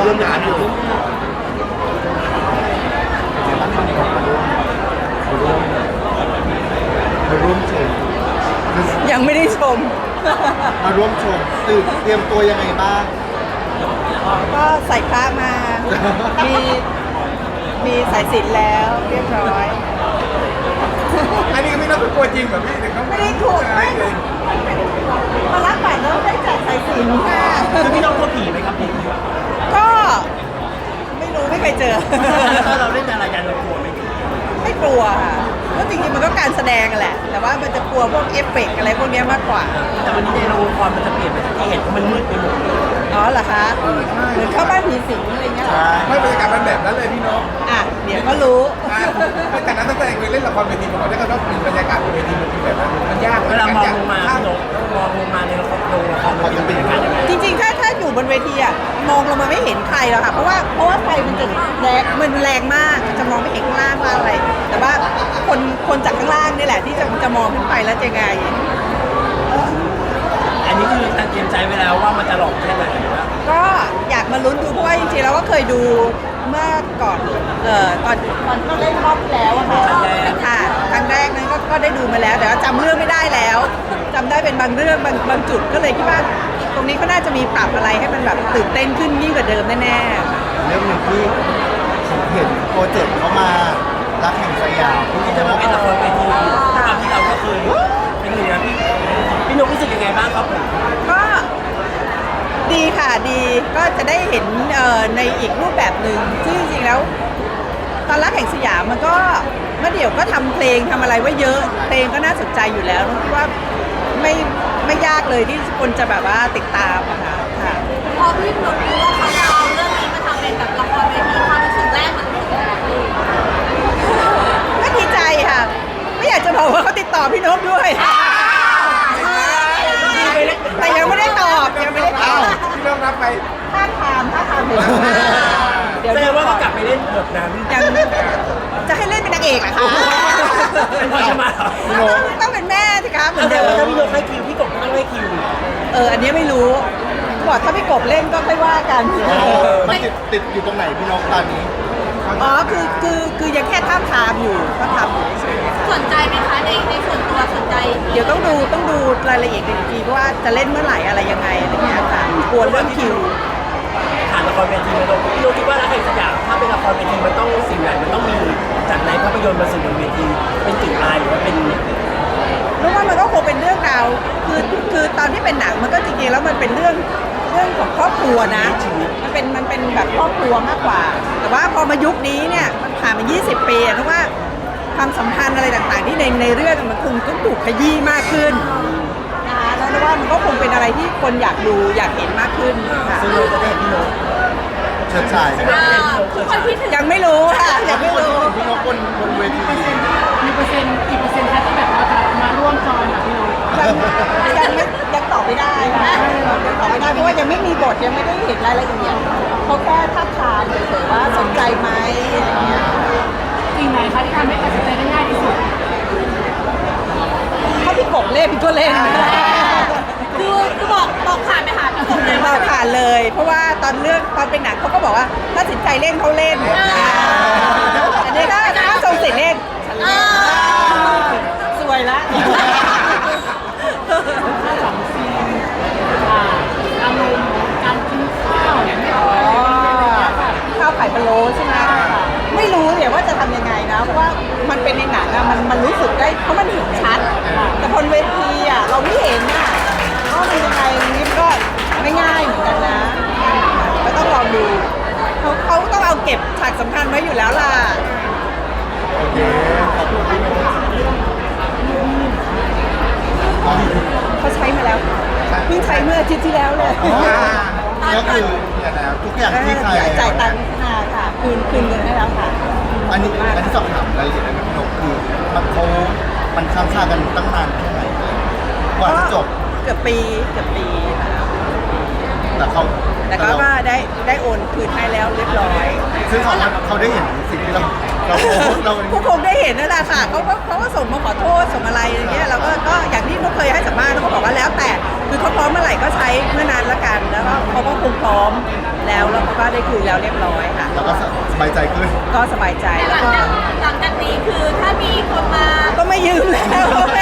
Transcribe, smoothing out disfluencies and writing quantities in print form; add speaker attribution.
Speaker 1: ร่วมงานอยู่
Speaker 2: มาร่วมชม
Speaker 3: ยังไม่ได้ชม
Speaker 2: มาร่วมชมเตรียมตัวยังไงบ้าง
Speaker 3: ก็ใส่พระมา มีมีสายสิญจน์แล้วเรียบร้อย
Speaker 1: อันนี้ก็ไม่น่ากลัวจริงแบบพี่แต่เขา
Speaker 3: ไม่ได้ถูกไม่มารับบัตรแล้วได้แจกสายสิญจน์ค่ะ
Speaker 1: คือพี่น้องกลัวผีไหมครับพี่
Speaker 3: ก็ไม่รู้ไม่เคยเจอ
Speaker 1: ถ้าเราเล่นอะไรกันเรากลัวไหม
Speaker 3: ไม่กลัวค่ะก็จริงๆมันก็การแสดงแหละ แต่ว่ามันจะกลัวพวกเอฟเฟกต์อะไรพวกนี้มากกว่า
Speaker 1: แต่วันนี้ในโรงละครมันจะเปลี่ยนไปที่เห็นเพราะมันมืดไปหมด
Speaker 3: อ๋อเหรอคะเหมือนเข้าบ้านผีสิงอะไรเงี้ยเหรอ
Speaker 1: ไม่บรรยากาศมันแบบนั้นเลยพี่น้อง
Speaker 3: อ่ะเดี๋ยวก็รู้
Speaker 1: แต่นั้นตั้งแต่เคยเล่นละครเวทีมาก่อนแล้วก็ต้องมีบรรยากาศบนเวทีมันเป็นแบบนั้นมันยากเวลามองลงมาพี่น้องมองลงมาในละครมันเป็นบรรยากาศยังไง
Speaker 3: จริงๆถ้าอยู่บนเวทีอะมองลงมาไม่เห็นใครหรอกค่ะเพราะว่าไฟมันจะแรงมากจะมองไม่เห็นข้างล่างว่าอะไร แต่ว่าคนจากข้างล่างนี่แหละที่จะมองขึ้นไปแล้วจะไง
Speaker 1: อันนี้คือตั้งเตรียมใจไว้แล้วว่ามันจะหลอกแค่ไหนนะ
Speaker 3: ก็อยากมาลุ้นดูเพราะว่าจริงๆเราก็เคยดูเมื่อก่อนตอนก็เล่นรอบที่แล้วอะค่ะค่ะครั้งแรกนั้นก็ได้ดูมาแล้วแต่ว่าจำเรื่องไม่ได้แล้วจำได้เป็นบางเรื่องบางจุดก็เลยคิดว่าตรงนี้ก็น่าจะมีปรับอะไรให้มันแบบตื่นเต้นขึ้นยิ่งกว่าเดิมแน่ๆ
Speaker 2: เรื่องหนึ่งที่ผมเห็นโปรเจกต์เขามารักแห่งสยาม
Speaker 1: ที่จะมาเป็นละครเวทีตามที่เราก็เคยเป็นหนึ่งนะพี่นกรู้สึกยังไงบ้างครับผม
Speaker 3: ก็ดีค่ะดีก็จะได้เห็นในอีกรูปแบบหนึ่งซึ่งจริงๆแล้วตอนรักแห่งสยามมันก็เมื่อเดี๋ยวก็ทำเพลงทำอะไรไว้เยอะเพลงก็น่าสนใจอยู่แล้วคิดว่าไม่ยากเลยที่คนจะแบบว่าติดตามอะค่ะค่ะ
Speaker 4: พอพี่หนุ่มรู้ว่าเขาจะเอาเรื่องนี้มาทำเป็นแบบละครเวทีความรู้สึกแรกมันรู้สึกยังไง
Speaker 3: ก็ดีใจค่ะ ไม่อยากจะบอกว่าเขาติดต่อพี่นกด้วยแต่ยังไม่ได้ตอบยังไม่ได้ตอบ
Speaker 1: พี่น้องรับไป
Speaker 3: ท่าทางเดี๋ยว
Speaker 1: แสดงว่าก็กลับไปเล่นบทนั้น
Speaker 3: ยังจะให้เล่นเป็นนางเอกเหรอะคะ
Speaker 1: เป็นพ่อจะมา
Speaker 3: ต้องเป็นแม่สิคะเหมือน
Speaker 1: แต่
Speaker 3: เดิ
Speaker 1: ว่าม ถ้าพี่นกให้คิวพี่กบก็ต้องให้คิว
Speaker 3: อันนี้ไม่รู้บอกถ้าพี่กบเล่นก็ค่อยว่ากัน
Speaker 2: มันติดอยู่ตรงไหนพี่นกตอนนี้
Speaker 3: อ๋อคือยังแค่ท่าบทามอยู่ก็ทำอยู่เฉยๆค่ะ
Speaker 4: สนใจไหมคะในส่วนตัวสนใจ
Speaker 3: เดี๋ยวต้องดูรายละเอียดอีกทีเพราะว่าจะเล่นเมื่อไหร่อะไรยังไงอะไรเงี้ยค่ะกลัวเรื่องคิว
Speaker 1: ผ่านละครเวทีมาพี่นกคิดว่ารักแห่งสยามถ้าเป็นละครเวทีมันต้องสิ่งไหนมันต้องมีจากในภาพยนตร์มาสู่บนเวทีเป็นกลิ่นอายหรือว่าเป็น
Speaker 3: รู้ว่ามันก็คงเป็นเรื่องราวคือตอนที่เป็นหนังมันก็จริงๆแล้วมันเป็นเรื่องของครอบครัวนะมันเป็นแบบครอบครัวมากกว่า แต่ว่าพอมายุคนี้เนี่ยมันผ่านมา 20 ปีเพราะว่าความสัมพันธ์อะไรต่างๆที่ในเรื่องมันคงต้องถูกขยี้มากขึ้นนะคะแล้วว่ามันก็คงเป็นอะไรที่คนอยากดูอยากเห็นมากขึ้นค่ะ
Speaker 1: ซึ่งเราจะได้เห็นพี่นก
Speaker 2: เชิดชายนะ
Speaker 4: ทุกคนคิดถึง
Speaker 3: ยังไม่รู้ค่ะยังไม่รู้
Speaker 2: พี่นกบนเวที
Speaker 5: มีเปอร์เซ็นต์กี่เปอร์เซ็นต์คะที่แบบว่าจะมาร่วมจอยกับพี่นก
Speaker 3: ยังตอบไม่ได้ค่ะยังตอบไม่ได้เพราะว่ายังไม่มีบทยังไม่ได้เห็นรายละเอียดเขาแค่ทักทามเฉยๆว่าสนใจไหมอะไรเงี้ย
Speaker 5: สิ่งไหนคะที่ทำให้ตัดสินใจได้ง่ายที่สุด
Speaker 3: ถ้าพี่กบเล่นพี่ก็เล่น
Speaker 4: คือบอกผ่านไปหาพี่กบเลย
Speaker 3: เราผ่านเลย เพราะว่าตอนเป็นหนังเขาก็บอกว่าถ้าสินใจเล่นเขาเล่นอันนี้ถ้าทรงสิทธิ์เล่นฉันเล่นสวยละ
Speaker 5: สองซีนอารมณ์การกินข้าวเนี่ยไม่ออก
Speaker 3: ข้าวไข่พะโล้ใช่ไหมไม่รู้เดี๋ยวว่าจะทำยังไงนะ เพราะว่ามันเป็นในหนังอะมันรู้สึกได้เพราะมันเห็นชัด แต่บนเวทีอะเราไม่เห็นอะว่ามันยังไงนี่ก็ไม่ง่ายเหมือนกันนะก็ต้องลองดูเขาต้องเอาเก็บฉากสำคัญไว้อยู่แล้วล่ะ
Speaker 2: โอเคขอบคุณพี่นก
Speaker 3: เขาใช้มาแล้วเพิ่งใช้เมื่ออาทิตย์ที่แล้วเลย
Speaker 2: ก็คือทุกอย่างที่ใคร
Speaker 3: จ่ายตังค์มาค่ะคืนเงินให้แล้วค่ะ
Speaker 2: อันนี้สอบถามรายละเอียดได้ไหมพี่นกคือมันค้างคากันตั้งนานแค่ไหนกว่าจะจบ
Speaker 3: เกือบปีค่ะ
Speaker 2: แต่เขา
Speaker 3: ก็ได้โอนคืนให้แล้วเรียบร้อย
Speaker 2: ซึ่งเขาได้เห็นสิ่งที่เรา
Speaker 3: ผู้คงได้เห็นนั่นแหละค่ะเขาก็ส่งมาขอโทษส่งอะไรอย่างเงี้ยเราก็อย่างที่นุ๊กเคยให้สัมภาษณ์เขาบอกว่าแล้วแต่คือเขาพร้อมเมื่อไหร่ก็ใช้เมื่อนั้นละกันแล้วก็เขาก็คงพร้อมแล้วแล้วเขาก็ได้คืนแล้วเรียบร้อยค่ะ
Speaker 2: แล้วก็สบายใจขึ้น
Speaker 3: ก็สบายใจ
Speaker 4: แต่ห
Speaker 3: แล้
Speaker 4: ลั
Speaker 3: ว
Speaker 4: ง
Speaker 3: ก็
Speaker 4: จากนี้คือถ้ามีคนมา
Speaker 3: ก็ไม่ยืมแล้ว